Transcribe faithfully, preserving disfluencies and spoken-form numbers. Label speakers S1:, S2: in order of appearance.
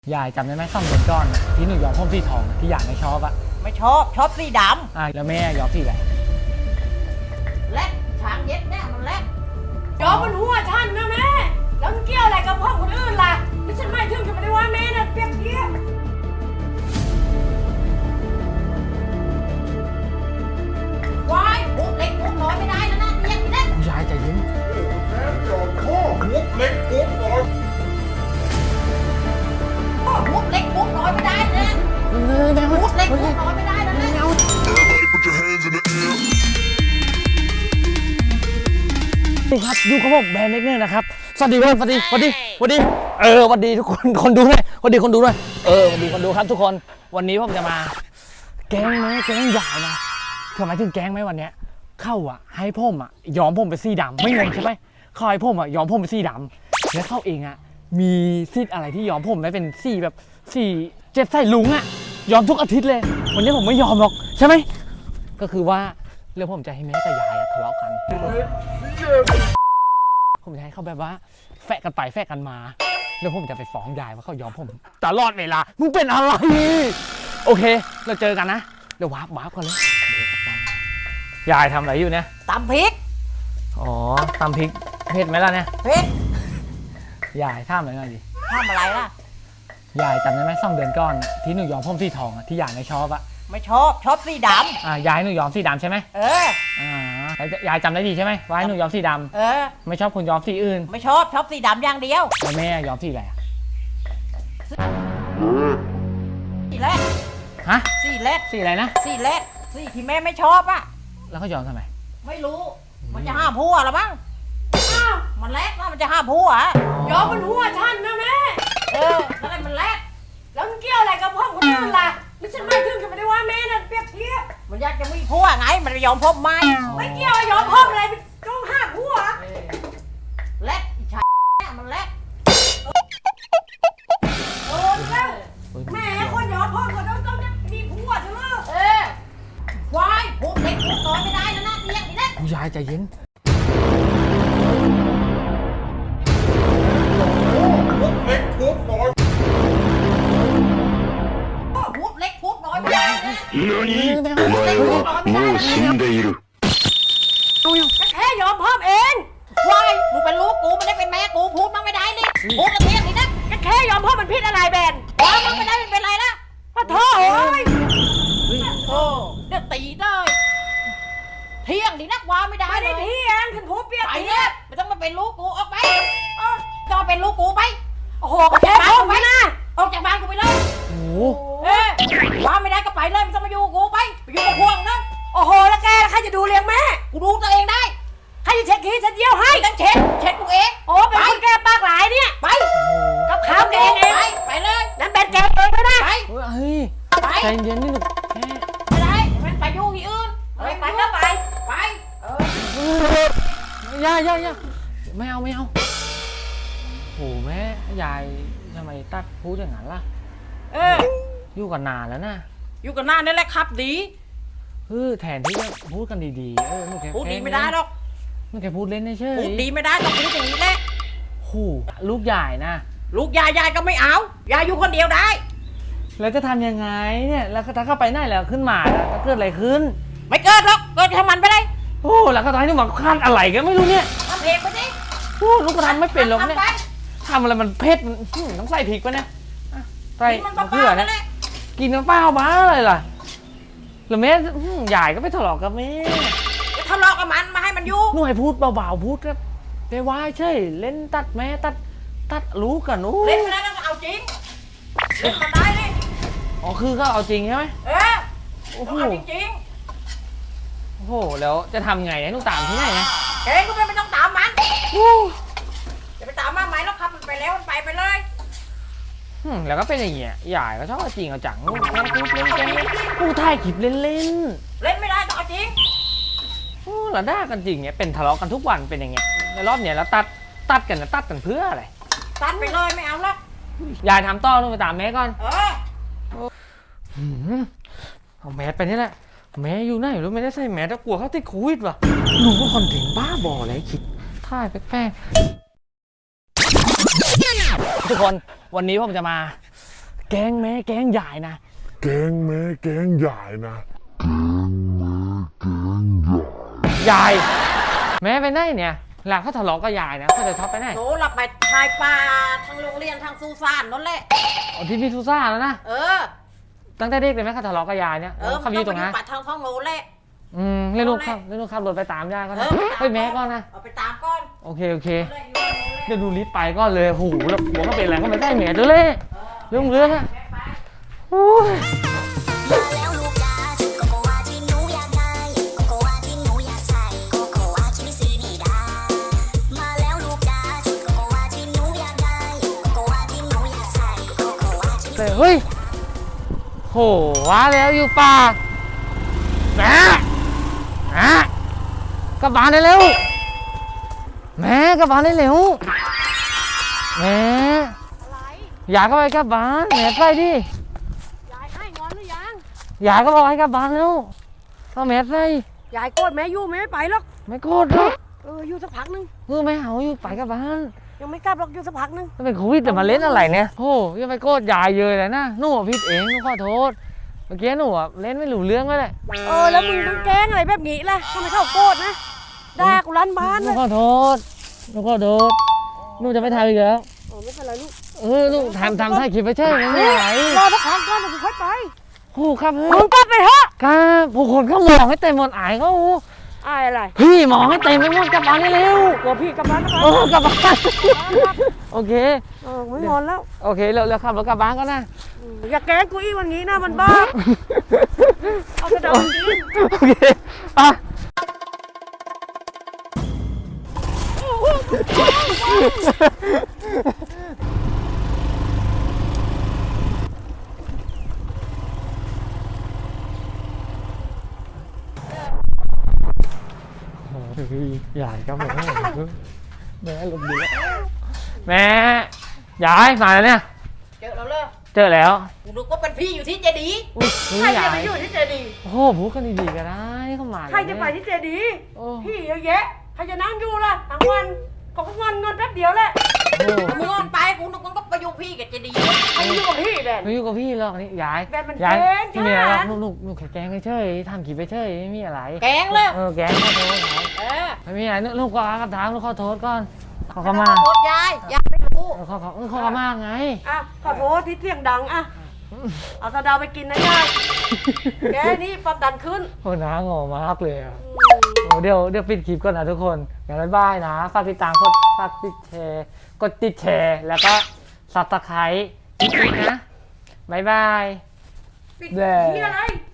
S1: ยายจำได้ไหมซ่อมเดือนก้อนที่หนูย้อมผมสีทองที่อยากไม่ชอบอะ
S2: ไม่ชอบชอบสีดำ
S1: อ่าแล้วแม่ย้อมสีอะไร
S2: แลกช้างเย็ดแน่มันแลก
S3: ย้อมมันหัวฉันนะแม่แล้วมันเกี่ยวอะไรกับพ่อคนอื่นล่ะไม่ฉันไม่ถึงจะไม่ได้ว่าแม่นะเปรียบเทียบ
S2: วายปุ๊บเล็กปุ๊บน้อยไม่ได้แล้วนะเรียกไม่ได้
S1: ยายใจเย็น
S4: แม่จอดพ่อปุ๊บเล็กปุ๊บน้อย
S2: ปุ๊บเล็กปุ๊บน้อยไม่ได้นะปุ๊บเล็กปุ๊บน้อยไม่ได้แล้วนะ
S4: Put your hands in the air
S1: นี่ครับดูครับผมแบรนด์เล็กเนอร์นะครับสวัสดีครับสวัสดีสวัสดีสวัสดีเออสวัสดีทุกคนคนดูด้วยสวัสดีคนดูด้วยเออสวัสดีคนดูครับทุกคนวันนี้ผมจะมาแก๊งไหมแก๊งใหญ่นะทำไมถึงแก๊งไหมวันเนี้ยเข้าอ่ะให้ผมอ่ะย้อมผมเป็นสีดำไม่งงใช่ไหมเขาให้ผมอ่ะย้อมผมเป็นสีดำแล้วเข้าเองอ่ะมีซีดอะไรที่ย้อมผมได้เป็นสีแบบสีเจ็ดใส่ลุงอ่ะย้อมทุกอาทิตย์เลยวันนี้ผมไม่ยอมหรอกใช่ไหมก็คือว่าเรื่องผมจะให้แม่กับยายทะเลาะกันผมจะให้เขาแบบว่าแฝะกันไปแฝะกันมาแล้วผมจะไปฟ้องยายว่าเขาย้อมผมตลอดเวลามึงเป็นอะไรโอเคเราเจอกันนะเดี๋ยววาร์ปวาร์ปกันเลยยายทำอะไรอยู่เนี่ย
S2: ตำพริก
S1: อ๋อตำพริกเผ็ดไหมล่ะเนี่ย
S2: เผ็ด
S1: ยายทำอะไรหน่อยดิ
S2: ทำอะไรล่ะ
S1: ยายจำได้ไหมสองเดือนก่อนที่หนูย้อมผมสีทองที่ยายไม่ชอบอะ
S2: ไม่ชอบชอบสีดำ
S1: อ่ายายหนูย้อมสีดำใช่ไหม
S2: เออ
S1: อ่ายายจำได้ดีใช่ไหมว่าให้หนูย้อมสีดำ
S2: เออ
S1: ไม่ชอบคนย้อมสีอื่น
S2: ไม่ชอบชอบสีดำอย่างเดียว
S1: แล้วแม่ย้อมสีอะไร
S2: สีแรก
S1: ฮะ
S2: สีแรก
S1: สีอะไรนะ
S2: สีแรกสีที่แม่ไม่ชอบอะ
S1: แล้วเขาย้อมทำไม
S2: ไม่รู้มันจะห้ามผัวหรอมั้งอ้าวมันแรกว่ามันจะห้ามผัว
S3: ย้อมมันหัวฉันนะแม่
S2: เออแล้วอะไรมันแรก
S3: แล้วมันเกี่ยวอะไรกับพ่อคนอื่นล่ะไม่ฉันไม่ถึงจะไม่ได้ว่าแม่นะเปรียบเทียบ
S2: มันอยากจะมีผัวไงมันไปยอมพบไม่
S3: ไม่เกี่ยวย้อมพ่ออะไรต้องห้ามผัว
S2: แรกอีชายมันแรก
S3: โอ้แล้วแม่คนย้อมพ่อก็ต้องต้องมีผัวใช่ไหม
S2: เออควายพูดเล็กพูดน้อยไม่ได้แล้วนะเรียกนี่นะ
S1: ผู้ยายใจเย็น
S4: ปุ๊บเล็กปุ๊บน้อย
S2: พูดเล็กพูดน้อยไม่ได้นะ
S4: 何お前はもう死んでいる
S3: ก็แค่ยอมพ่อเอง
S2: ควายมึงเป็นลูกกูไม่ได้เป็นแม่กูพูดมั่งไม่ได้นี่พูดกระเทียมนี่นะ
S3: ก็แค่ยอมพ่อมันผิดอะไรแบน
S2: ว้ามั่งไม่ได้เป็นไรละ
S3: ขอโทษโอ้ย
S2: โอ้เดี๋ยวตีเลยเที่ยงดินักว้าไม่ได้
S3: ไม่ได้เที่ยงฉันพูดเปียก
S2: ไปเนี่ยไม่ต้องมาเป็นลูกกูออกไปจะมาเป็นลูกกูไป
S3: โอ้โหก็แค่พ่อไปนะ
S2: ออกจากบ้านกูไปเลย
S1: โอ้
S2: เอ๊ะว้าไม่ได้ก็ไปเลยไม่ต้องมาอยู่กูไปไปอยู่กับพวกนะ
S3: โอ้โหแล้วแกใครจะดูเลี้ยงแม่
S2: กูดูตัวเองได้
S3: ใครจะเช็ดขี้ฉันเยี่ยวให้
S2: ต้องเช็ดเช็ดกูเอง
S3: โอ้เป็นคนแกปากหลายเนี่ย
S2: ไป
S3: กับข้าวแกเอง
S2: ไปไปเลย
S3: นั่นเป็นแกเองไม่ได้
S2: ไป
S1: เฮ้ยใจเย็นนี่ลูก
S2: ไม่ได้มันไปอยู่ที่อื่น
S3: ไปก็ไป
S2: ไปเอ
S1: อย่าอย่าอย่าไม่เอาไม่เอาโอ้แม่ยายทำไมตัดพูดอย่างนั้นล่ะ
S2: เออ
S1: อยู่กันนานแล้วนะ
S2: อยู่กันนานนี่แหละครับดี
S1: เออแทนที่จะพูดกันดีๆเออลูกแค่
S2: พูดดีไม่ได้หรอก
S1: ลูกแค่พูดเล่นเฉย
S2: พูดดีไม่ได้ต้องพูดอย่างนี้แหละ
S1: โหลูกใหญ่นะ
S2: ลูกยายยายก็ไม่เอายายอยู่คนเดียวได้
S1: แล้วจะทำยังไงเนี่ยแล้วถ้าเข้าไปไหนแล้วขึ้นมาแล้วเกิดอะไรขึ้น
S2: ไม่เกิดหรอกเกิดทำมันไปเลย
S1: โอ้แล้วก็ตอนนี้หมอคาดอะไรกันไม่รู้เนี่ย
S2: ทำเองไปดิ
S1: โอ้ลูกก็ทำไม่เป็นหรอกเนี่ยทำอะไรมันเผ็ดต้องใส่พริกปะเนี่ยใส่มะเขือนะกินน้ำเปล่าบ้าเลยล่ะหรือแม่ใหญ่ก็ไปทะเลาะกับแม่
S2: จะทะเลาะกับมันมาให้มันอยู่
S1: หน่วยพูดเบาๆพูดครับไปว่าใช่เล่นตัดแม่ตัดตัดรู้กันนู้
S2: เล่นไม่ได้ต้องเอาจริงเล่นมันได้เลย
S1: อ๋อคือเขาเอาจริงใช่ไหม
S2: เออโอ้โหจริง
S1: โอ้โหแล้วจะทำไงให้ลูกตามที่ไหนไง
S2: เองก็ไม่ต้องตามมันจะไปตามมาไหมแล้วครับมันไปแล้วมันไปไปเลย
S1: แล้วก็เป็นอย่างเงี้ยใหญ่ก็ชอบจริงเอาจังแม่พูดเล่นแกพูดถ่ายคลิปเล่นเล่น
S2: เล่นไม่ได้ต้องเอาจริง
S1: โอ้แล้วด่ากันจริงเงี้ยเป็นทะเลาะกันทุกวันเป็นอย่างเงี้ยในรอบเนี้ยแล้วตัดตัดกันนะตัดกันเพื่ออะไร
S2: ตัดไปเลยไม่เอาหรอก
S1: ยายทำต่อต้องไปตามแม่ก่อน
S2: เออ
S1: เอาแมสไปนี่แหละแม่อยู่ไหนรู้ไม่ได้ใส่แมสแล้วกลัวเขาติดโควิดว่ะหนูก็คอนเทนต์บ้าบออะไรคิดถ่ายแป้งทุกคนวันนี้ผมจะมาแก๊งแม้แก๊งใหญ่นะ
S4: แกงแม่แกงใหญ่นะ
S1: ใหญ่แม้ไปไหนเนี่ยหลังเขาทะเลาะกับยายนะเขาจะชอบไปไหน
S2: โหหลับไปชายป่าทางโรงเรียนทางซูซานนั่นแหละ
S1: อ๋อที่พี่ซูซ่าแล้วนะ
S2: เออ
S1: ตั้งแต่เด็กเลยไหมเขาทะเลาะกับยายเนี่ย
S2: เออ
S1: เขาอยู่ตรงนั้น
S2: ปัดทางท้องโน้นแหละ
S1: อืมเล่นลูกขับเล่นลูกขับรถไปตามยายก็
S2: เอ
S1: นะ
S2: อ
S1: เฮ้ยแม่ก่อนนะ
S2: เอาไปตามก้อน
S1: โอเคโอเค
S2: เลยอยู่โน้นแหละ
S1: เดี๋ยวดูลิสต์ไปก็เลยโหแล้วหัวก็เป็นอะไรก็ไม่ได้แหม่ตัวเล่เรื่องเรื่องอะโอ้ย
S5: มาแล้วลูกจ๋าชุดโกโกวาที่หนูอยากได้โกโกวาที่หนูอยากใส่โกโกวาที่ไม่ซื้อนี่ดามาแล้วลูกจ๋าชุดโกโกวาที่หนูอยากได้โกโกวาที่หนูอยากใส่โกโกวาที่ไม่
S1: แต่เฮ้ยโหว้าแล้วอยู่ป่าแม่แม่กลับบ้านได้เร็วแม่กลับบ้านได้เร็วแม่
S3: อะไร
S1: อยากก็ไปกลับบ้านแม่ไปดิ
S3: ยายให้งอนหรือยัง
S1: อยากก็บอกให้กลับบ้านแล้วต้องแม่ไป
S3: ยายโกรธแม่อยู่แม่ไม่ไปหรอก
S1: ไม่โกรธหรอก
S3: เอออยู่สักพักนึง
S1: เออไม่เอาอยู่ไปกลับบ้าน
S3: ยังไม่กลับหรอกอยู่สักพักนึง
S1: ถ้าเป็นโควิดแต่มาเล่นอะไรเนี่ยโอ้ยังไปโกรธยายเยอะเลยนะหนูอะผิดเองหนูขอโทษเมื่อกี้หนูอะเล่นไม่รู้เรื่องก็เลย
S3: เออแล้วมึงต้องแกล้งอะไรแบบนี้ล่ะทำไมเขาโกรธนะด่ากูลั่นบ้าน
S1: หนู
S3: เลย
S1: ขอโทษหนูขอโทษหนูจะไม่ทำอีกแล้ว
S3: เออไม่เป็นไรลูก
S1: เออลูกทำทำถ่ายคลิปไปใช่ไหมไม่ไหว
S3: รอสักพักก่อนเดี๋ยวกูค่อยไป
S1: โอ้ครับ
S3: มึงกลับไปเถอะ
S1: ครับผู้คนเขามองให้เต็มหมดอายเขา
S3: อายอะไร
S1: พี่มองให้เต็มไปหมดกลับบ้านได้เร็ว
S3: กลัวพี่กลับบ้านนะค
S1: เออกลับบ้านโอเค
S3: เออไม่งอนแล้ว
S1: โอเคเร็วเร็วขับรถกลับบ้านก็นะ
S3: อืมอย่าแกล้งกูอีกวันนี้นะมันบ้าเอากระดาษมากิน
S1: โอเคอ่ะยายครับผมแม่ลมดีแล้วแม่ยายมาแล้วเนี่ย
S2: เจอแล้วเลย
S1: เจอแล้ว
S2: กูนึกว่าเป็นพี่อยู่ที่เจดีย์
S1: อุ้ย
S3: ใคร
S1: ยา
S3: จะ
S1: ย
S3: ไปอยู่ที่เจดีย์
S1: โอ้โหพูดกันดีๆก็ได้เข้ามา
S3: ใครจะไปที่เจดีย์
S1: โอ้
S3: พี่เยอะแยะใครจะนั่งอยู่ล่ะทั้งวันเขาก็งอนงอนแป๊บเดียวแหละ
S1: โห
S2: มึงงอนไปกูนึกว่าก็ไปอยู่พี่กับเจดีย์
S3: ใครอยู่กับพี่แดน
S1: ไม่อยู่กับพี่หรอกนี่ยาย
S3: แบบมัน
S1: ยาย
S3: แกล้ง
S1: ไม่มีอะไรหรอก
S3: ฉัน
S1: ลูกลูกลูกแค่แกล้งเฉยๆทำคลิปไปเฉยไม่มีอะไร
S2: แกงเลย
S1: เออแกล้งขอโทษยาย
S2: เออ
S1: ไม่มีอะไรลูกก็อากับทางลูกขอโทษก่อนขอเข้ามา
S2: โทษยายยายไม่รู้
S1: เออขอขอเออขอเข้ามาไง
S3: อ่ะขอโทษที่เสียงดังอ่ะเอาสะเดาไปกินนะยายแกนี่ความดันขึ้น
S1: โอ้น้างอมากเลยอ่ะโอ้เดี๋ยวเดี๋ยวปิดคลิปก่อนนะทุกคนงั้นบ๊ายบายนะฝากติดตามกดฝากติดแชร์กดติดแชร์แล้วก็ซับสไครต์อีกนะบ๊ายบาย
S3: ปิด
S1: แด่
S3: ที่อะไร